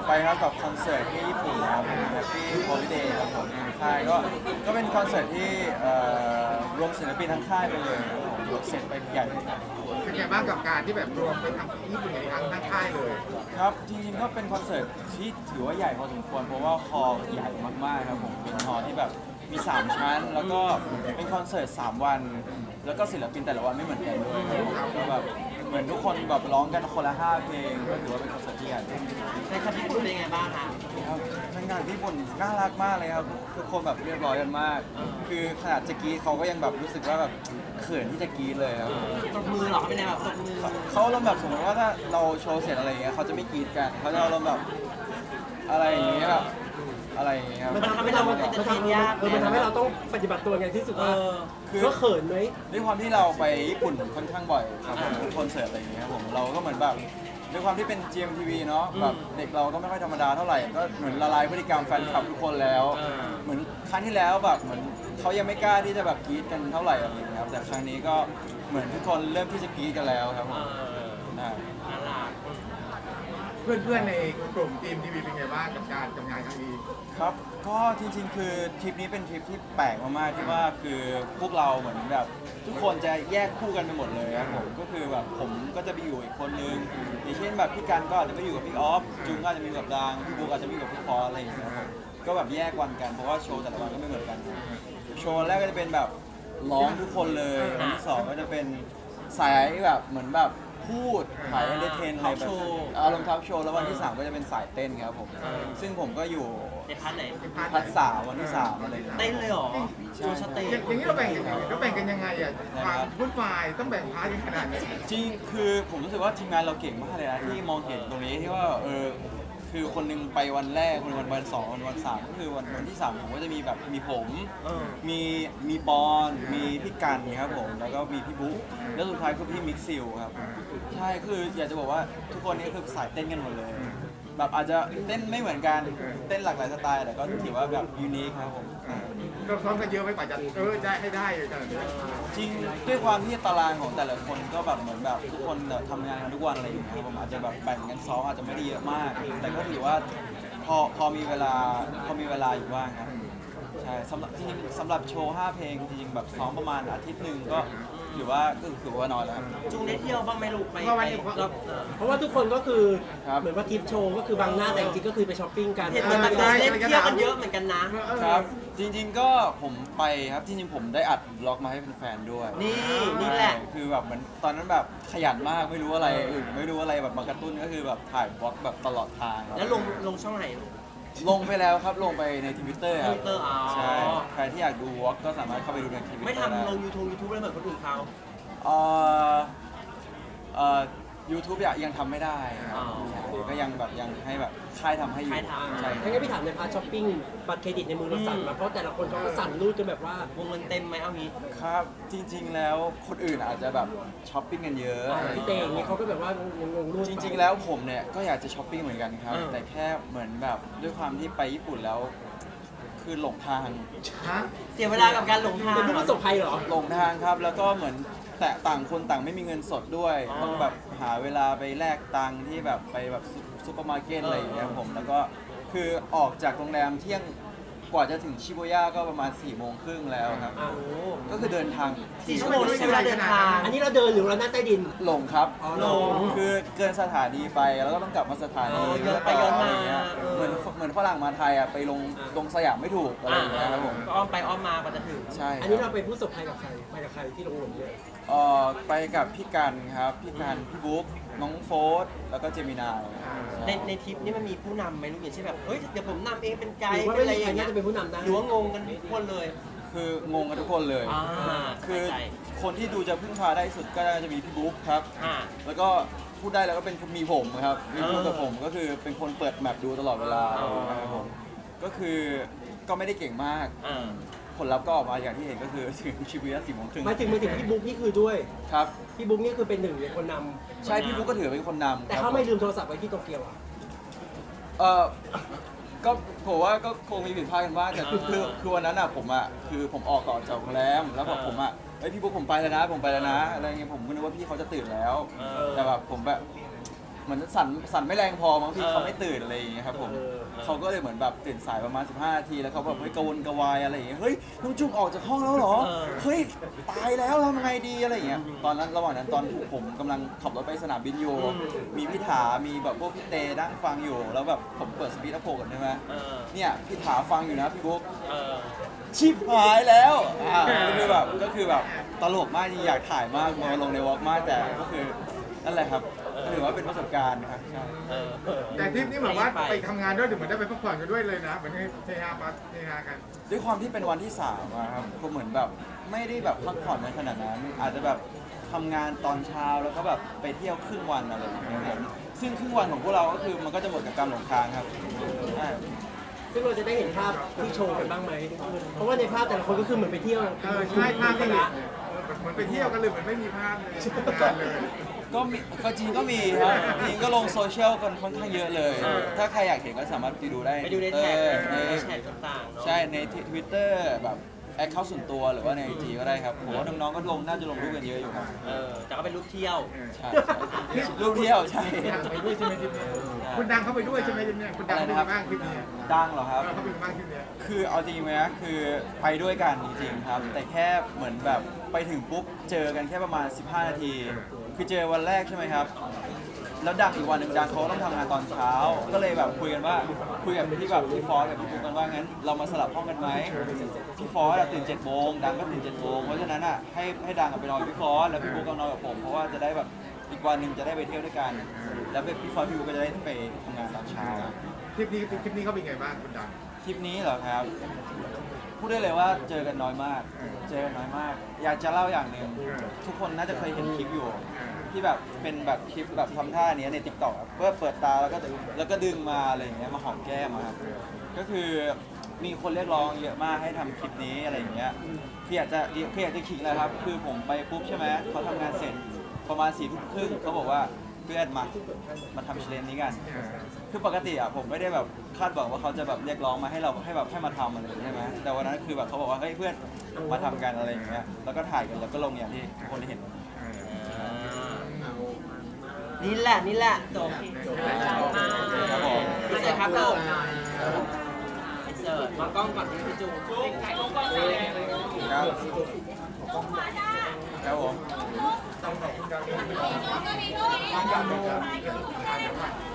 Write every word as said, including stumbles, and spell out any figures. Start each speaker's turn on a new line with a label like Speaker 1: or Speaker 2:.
Speaker 1: ไปครับกับคอนเสิร์ตที่ญี่ปุ่นนะครับ Happy Holiday ครับผมค่ายก็ก็เป็นคอนเสิร์ตที่เอ่อรวมศิลปินทั้งค่ายไปเลยครับผมยกเสร็จไปใหญ่เลยครับ
Speaker 2: เป็นไงบ้างกับการที่แบบรวมไปทำที่ญี่ปุ่นอีกครั้งทั้งค่ายเลย
Speaker 1: ครับจริงๆก็เป็นคอนเสิร์ตที่ถือว่าใหญ่พอสมควรเพราะว่าฮอลล์ใหญ่มากๆครับผมเป็นฮอลล์ที่แบบมีสามชั้น แล้วก็เป็นคอนเสิร์ตสามวัน แล้วก็ศิลปินแต่ละวันไม่เหมือนกันด้วยครับผมก็แบบเหมือนทุกคนแบบร้องกันคนละห้าเพลงก็ถือว่าเป็นคอนเสิร์ตที่ใหญ่
Speaker 3: ในคันญี่ปุ่นเป็นยังไงบ้างคะ
Speaker 1: ครับทางงานที่ญี่ปุ่นน่ารักมากเลยครับทุกคนแบบเรียบร้อยกันมาก คือขนาดจะกรีดเขาก็ยังแบบรู้สึกว่าแบบเขินที่จะกรีดเลยครับ
Speaker 3: ตบมือเหรอเขาเป็นยังไงแบบตบมือ
Speaker 1: เขาอารมณ์แบบสมมติว่าถ้าเราโชว์เสร็จอะไรอย่างเงี้ยเขาจะไม่กรีดกันเขาจะอารมณ์แบบอะไรอย่างเงี้ยแบบอะไรอย่างเงี้ยครับ
Speaker 3: มันทำให้เราเป็นจะทีมยาก
Speaker 4: เออมันทำให้เราต้องปฏิบัติตัวไงที่สุด
Speaker 3: เอ
Speaker 4: ว่า
Speaker 3: อ
Speaker 1: คือ
Speaker 4: ก็เขินไหม
Speaker 1: ด้วยความที่เราไปญี่ปุ่นค่อนข้างบ่อยครับผมทุกคอนเสิร์ตอะไรอย่างเงี้ยครับผมเราก็เหมือนแบบด้วยความที่เป็น จี เอ็ม ที วี เนาะแบบเด็กเราก็ไม่ค่อยธรรมดาเท่าไหร่ก็เหมือนละลายพฤติกรรมแฟนคลับทุกคนแล้ว เหมือนครั้งที่แล้วแบบเหมือนเขายังไม่กล้าที่จะแบบกรี๊ดกันเท่าไหร่อะไรอย่างเงี้ยครับแต่ครั้งนี้ก็เหมือนทุกคนเริ่มที่จะกรี๊ดกันแล้วครับผ
Speaker 3: เอ
Speaker 1: ม
Speaker 3: อ
Speaker 1: อ่า
Speaker 3: น่ารัก
Speaker 2: เพื่อนๆในกลุ่มทีมทีวีเป็นไงบ้างกับการทำงานครั้งนี้
Speaker 1: ครับก็จริงๆ คือทริปนี้เป็นทริปที่แปลกมากๆที่ว่าคือพวกเราเหมือนแบบทุกคนจะแยกคู่กันไปหมดเลยครับผมก็คือแบบผมก็จะไปอยู่อีกคนนึงอย่างเช่นแบบพี่กันก็อาจจะไปอยู่กับพี่ออฟจุงก็อาจจะมีกับดังพี่บุ๊กอาจจะมีกับพี่พออะไรอย่างเงี้ยครับก็แบบแยกวันกันเพราะว่าโชว์แต่ละวันก็ไม่เหมือนกันโชว์แรกก็จะเป็นแบบร้องทุกคนเลยวันที่สองก็จะเป็นสายแบบเหมือนแบบพูดสายเอนเตอร์เทนอะไรแบบอารมณ์ทับโชว์แล้ววันที่สามก็จะเป็นสายเต้นครับผมซึ่งผมก็อยู่
Speaker 3: ในพาร์ทไหน
Speaker 1: พัดสามวันที่สามอะไรอย่างเงี้ย
Speaker 3: เต้นเลยเหรอ
Speaker 1: ใช่
Speaker 3: โชว์สเตจ
Speaker 2: อย่างนี้เราแบ่งกันยังไงเราแบ่งกันยังไงอ่ะความวุ่นวายต้องแบ่งพาร์ทกันขนาดนี้
Speaker 1: จริงคือผมรู้สึกว่าทีมงานเราเก่งมากเลยนะที่มองเห็นตรงนี้ที่ว่าเออคือคนหนึงไปวันแรกคนหนึงวันวันสองวันวันสามก็คือวันวันที่สามผมก็จะมีแบบมีผม
Speaker 3: เออ
Speaker 1: มีมีปอนมีพี่กันครับผมแล้วก็มีพี่บุ๊กแล้วสุดท้ายคือพี่มิกซิลครับใช่คืออยากจะบอกว่าทุกคนนี้คือสายเต้นกันหมดเลย แบบอาจจะเต้นไม่เหมือนกันเต้นหลากหลายสไตล์แต่ก็ถือว่าแบบยูนิคครับผม
Speaker 2: เราซ้อมกันเยอะไหมกว่าจะเออได้ให้ได้เลยขนาดนี้
Speaker 1: จริงด้วยความที่ตารางของแต่ละคนก็แบบเหมือนแบบทุกคนแบบทำงานกันทุกวันอะไรอย่างเงี้ยผมอาจจะแบบแบ่งกันซ้อมอาจจะไม่ได้เยอะมาก แต่ก็ถือว่าพอพอมีเวลาพอมีเวลาอยู่บ้างครับใช่สำหรับจริงๆสำหรับโชว์ห้าเพลงจริงๆแบบซ้อมประมาณอาทิตย์หนึ่งก็ถือว่าก็ถือว่าน้อยแล้วครับ
Speaker 3: จุงได้เที่ยวบ้างไหมลูกไปไปรอบเออ
Speaker 4: เพราะว่าทุกคนก็คือ
Speaker 1: ครับ
Speaker 4: เหมือนว่าทริปโชว์ก็คือบางหน้าแต่จริงๆก็คือไปช้อปปิ้งกัน
Speaker 3: เห็นเหมือนมันเดินเล่นเที่ยวกันเยอะเหมือนกันนะ
Speaker 1: ครับจริงๆก็ผมไปครับจริงๆผมได้อัดบล็อกมาให้แฟนๆด้วย
Speaker 3: นี่นี่แหละ
Speaker 1: ใช่คือแบบเหมือนตอนนั้นแบบขยันมากไม่รู้อะไรอื่นไม่รู้อะไรแบบมากระตุ้นก็คือแบบถ่ายบล็อกแบบตลอดทางครับ
Speaker 3: แล้วลงลงช่องไหนลูก
Speaker 1: ลงไปแล้วครับลงไปในทวิตเตอร์ครับ
Speaker 3: Twitter อ๋อ
Speaker 1: ใช่ใครที่อยากดูวอล์กก็สามารถเข้าไปดูในทวิตเตอร์
Speaker 3: ไม่ทำลงยูทูบยูทูบเลยเหมือนคนอื่นเขา
Speaker 1: เอ่อเอ่อยูทูบยังทำไม่ได้ครับ
Speaker 3: อ๋อ
Speaker 1: ก็ยังแบบยังให้แบบค่ายทำให้อยู่
Speaker 3: ค่ายทำ
Speaker 1: ใช่
Speaker 4: ถ้างั้นพี่ถามในพาร์ทช้อปปิ้งบัตรเครดิตในมือเราสั่นมาเพราะแต่ละคนเขาก็สั่นรูดกันแบบว่า
Speaker 3: วงเงินเต็มไหมเอางี้
Speaker 1: ครับจริง ๆ แล้วคนอื่นอาจจะแบบช้อปปิ้งกันเยอะ
Speaker 4: อ่าพี่เตงอย่างเงี้ยเขาก็แบบว่างงๆรูด
Speaker 1: จริง ๆ แล้วผมเนี่ยก็อยากจะช้อปปิ้งเหมือนกันครับ
Speaker 3: เออ
Speaker 1: แต่แค่เหมือนแบบด้วยความที่ไปญี่ปุ่นแล้ว คือหลงทาง
Speaker 2: ฮะ
Speaker 3: เสียเวลากับการหลงทาง
Speaker 4: เป็นผู้ประสบภัยเหรอ
Speaker 1: หลงทางครับแล้วก็เหมือนแต่ต่างคนต่างไม่มีเงินสดด้วย
Speaker 3: อ๋อ
Speaker 1: ต้องแบบหาเวลาไปแลกตังค์ที่แบบไปแบบซุซุปเปอร์มาร์เก็ต
Speaker 3: เอออ
Speaker 1: อะไรอย่างเงี้ยผมแล้วก็คือออกจากโรงแรมเที่ยงกว่าจะถึงชิบูย่าก็ประมาณ4ี่โมงครึ่งแล้วครับ
Speaker 4: อ่า
Speaker 3: โอ้
Speaker 1: ก็คือเดินทาง
Speaker 3: สี่ชั่วโมงด้วยใช้เวลาเดินทาง
Speaker 4: อันนี้เราเดินหรือเรานั่งใต้ดิน
Speaker 1: หลงครับ
Speaker 4: อ๋อ
Speaker 3: หลง
Speaker 1: คือเกินสถานีไปแล้วก็ต้องกลับมาสถานี
Speaker 3: เออย้อนไปย้อนมา
Speaker 1: ะไรเงี้ย
Speaker 3: เออ
Speaker 1: เหมือนเหมือนฝรั่งมาไทยอ่ะไปลงลงสยามไม่ถูกอะไรอย่างเงี้ยครับผม
Speaker 3: ก็อ้อมไปอ้อมมากว่าจะถึง
Speaker 1: ใช่
Speaker 4: อันนี้เราเป็นผู้ประสบภัยกับใครไปกับใครที่ลงหลุมเนี่ย
Speaker 1: เอ่อไปกับพี่กันครับพี่กันพี่บุ๊กน้องโฟสแล้วก็เจมินาย
Speaker 3: ในในทริปนี้มันมีผู้นำไหมลูกอย่างเช่นแบบเฮ้ยเดี๋ยวผมนำเองเป็นไก
Speaker 4: หรื
Speaker 3: ด์
Speaker 4: อว่า
Speaker 3: เป็น
Speaker 4: ไม่
Speaker 3: อะไร
Speaker 4: มี
Speaker 3: อ
Speaker 4: ใคร
Speaker 3: ย่างเงี้
Speaker 4: น่าย จะเป็นผู้นำได้
Speaker 3: หรือว่างงกันทุกคนเลย
Speaker 1: คืองงกันทุกคนเลย
Speaker 3: อ่า
Speaker 1: คือ
Speaker 3: เข้าใจ
Speaker 1: คนที่ดูจะพึ่งพาได้สุดก็จะมีพี่บุ๊กครับ
Speaker 3: อ่า
Speaker 1: แล้วก็พูดได้แล้วก็เป็นมีผมครับมีพูดกับ
Speaker 3: เออ
Speaker 1: ผมก็คือเป็นคนเปิดแมปดูตลอดเวลา
Speaker 3: อ๋อ
Speaker 1: นะครับผมก็คือก็ไม่ได้เก่งมาก
Speaker 3: อ่า
Speaker 1: ผลลัพธ์ก็ออกมาอย่างที่เห็นก็คือถึงชิบูย่าสี่โมงครึ่ง
Speaker 4: หมายถึงหมายถึงพี่บุ๊กนี่คือด้วย
Speaker 1: ครับ
Speaker 4: พี่บุ๊กนี่คือเป็นหนึ่งในคนนำ
Speaker 1: ใช่พี่บุ๊กก็ถือเป็นคนนำ
Speaker 4: แต่
Speaker 1: ครับ
Speaker 4: เขาไม่ลืมโทรศัพท์ไว้ที่โตเกียวอ่ะ
Speaker 1: เออก็ผมว่าก็คงมีผิดพลาดกันบ้างแต่คือคือคือวันนั้นอ่ะผมอ่ะคือผมออกก่อนจากโรงแรมแล้วแบบผมอ่ะเฮ้ยพี่บุ๊กผมไปแล้วนะผมไปแล้วนะอะไรเงี้ยผมก็นึกว่าพี่เขาจะตื่นแล้ว
Speaker 3: เออ
Speaker 1: แต่แบบผมแบบเหมือนสั่นสั่นไม่แรงพอมั้งพี่
Speaker 3: เออ
Speaker 1: เขาไม่ตื่นอะไรอย่างเงี้ยครับผม
Speaker 4: เออ
Speaker 1: เขาก็เลยเหมือนแบบตื่นสายประมาณสิบห้านาทีแล้วเขาแบบเฮ้ยกระวนกระวายอะไรอย่างเงี้ยเฮ้ยน้องจุ๊บออกจากห้องแล้วเหรอ
Speaker 3: เออ
Speaker 1: เฮ้ยตายแล้วทำไงดีอะไรอย่างเงี้ยตอนนั้นระหว่างนั้นตอนผมกำลังขับรถไปสนามบินอยู่มีพี่ถามีแบบพวกพี่เตนั่งฟังอยู่แล้วแบบผมเปิดสปีดอัพโฟกันใช่ไหม
Speaker 3: เออ
Speaker 1: เนี่ยพี่ถาฟังอยู่นะพี่บุ๊ก
Speaker 3: เออ
Speaker 1: ชิบหายแล้วอ่าก็คือแบบก็คือแบบตลกมากจริงอยากถ่ายมากมาลงในวอล์กมากแต่ก็คือนั่นแหละครับถือว่าเป็นประสบการณ์นะครับใช่
Speaker 3: เออเออ
Speaker 2: แต่ทริปนี้เหมือนว่าไปทำงานด้วยถึงเหมือนได้ไปพักผ่อนกันด้วยเลยนะเหมือนให้เฮฮาปาเฮฮากัน
Speaker 1: ด้วยความที่เป็นวันที่สามอะครับก็เหมือนแบบไม่ได้แบบพักผ่อนในขนาดนั้น อาจจะแบบทำงานตอนเช้าแล้วก็แบบไปเที่ยวครึ่งวันอะไรอย่างเงี้ยผมซึ่งครึ่งวันของพวกเราก็คือมันก็จะหมดกับการหลงทางครับใช่
Speaker 4: ซึ่งเราจะได้เห็นภาพที่โชว์กันบ้างไหมเพราะว่าในภาพแต่ละคนก็คือเหมือนไปเที่ยว
Speaker 2: เออใช่ภาพที่เหมือนไปเที่ยวกันเลยเหมือนไม่มีภาพเลยงานเลย
Speaker 1: ก็มีก็จริงก็มีครับจริงก็ลงโซเชียลกันค่อนข้างเยอะเลย
Speaker 3: เออ
Speaker 1: ถ้าใครอยากเห็นก็สามารถไปดูได้
Speaker 3: ไปดูในแท็ก
Speaker 1: เออ
Speaker 3: ใน
Speaker 1: ใน
Speaker 3: แท็กต่างๆเนาะ
Speaker 1: ใช่ในทวิตเตอร์แบบแอคเคาท์ส่วนตัวหรือว่าในไอจีก็ได้ครับผมว่าน้องๆก็ลงน่าจะลงรูปกันเยอะอยู่ครับ
Speaker 3: เออแต่ก็เป็นรูปเที่ยว
Speaker 1: ใช่ใช่รูปเที่ยวใช่
Speaker 2: ไปด้วยใช่ไหมทริปนี้คุณดังเข้าไปด้วยใช่ไหมทริปนี้คุณดังเป็นยังไงบ้างทริปนี้
Speaker 1: ดังเหรอครับ
Speaker 2: เขาเป็นยังไงบ้างทริปนี้
Speaker 1: คือเอาจริงไหมนะคือไปด้วยกันจริงๆครับ แต่แค่เหมือนแบบไปถึงปุ๊บเจอกันแค่ประมาณ สิบห้า นาที คือเจอวันแรกใช่ไหมครับ แล้วดังอีกวันหนึ่งดังเขาต้องทำงานตอนเช้า ก็เลยแบบคุยกันว่าคุยกับพี่แบบพี่ฟอสกับพี่ปุ๊กกันว่างั้นเรามาสลับห้องกันไหมพี่ฟอสอะตื่นเจ็ดโมงดังก็ตื่นเจ็ดโมงเพราะฉะนั้นอ่ะให้ให้ดังอะไปนอนกับพี่ฟอสแล้วพี่ปุ๊กก็นอนกับผมเพราะว่าจะได้แบบอีกวันหนึ่งจะได้ไปเที่ยวด้วยกัน แล้วพี่ฟอสพี่ปุ๊กก็จะได้ไปทำงานตอนเช้า
Speaker 2: ทริปนี้ทริปนี้เขาเป็นยังไงบ้างคุณดัง
Speaker 1: ทริปนี้เหรอครับ พูดได้เลยว่าเจอกันน้อยมาก เจอกันน้อยมาก อยากจะเล่าอย่างหนึ่งทุกคนน่าจะเคยเห็นคลิปอยู่ ที่แบบเป็นแบบคลิปแบบทำท่าเนี้ยในติ๊กต็อกเพื่อเปิดตาแล้วก็แล้วก็ดึงมาอะไรอย่างเงี้ยมาหอมแก้มอะครับก็คือมีคนเรียกร้องเยอะมากให้ทำคลิปนี้อะไรอย่างเงี้ยพี่อยากจะพี่อยากจะขิงเลยครับ คือผมไปปุ๊บใช่ไหมเขาทำงานเสร็จประมาณสี่ทุ่มครึ่งเขาบอกว่าเพื่อนมามาทำเชลเลนนี้กัน คือปกติอ่ะผมไม่ได้แบบคาดหวังว่าเขาจะแบบเรียกร้องมาให้เราให้แบบให้มาทำอะไรอย่างเงี้ยใช่ไหมแต่วันนั้นคือแบบเขาบอกว่าเฮ้ยเพื่อนมาทำกันอะไรอย่างเงี้ยแล้วก็ถ่ายกันแล้วก็ลงอย่างที่ทุกคนได้เห็น
Speaker 3: อ่านี่แหละนี่แหละจบ
Speaker 1: ครับผม
Speaker 3: อินเสิร์ตครับลูกอินเสิร์ตมากล้องก่อนพี่จูถ่ายรูปก่อนเลย
Speaker 1: ครับครับผม
Speaker 2: ต้องขอบคุณดัง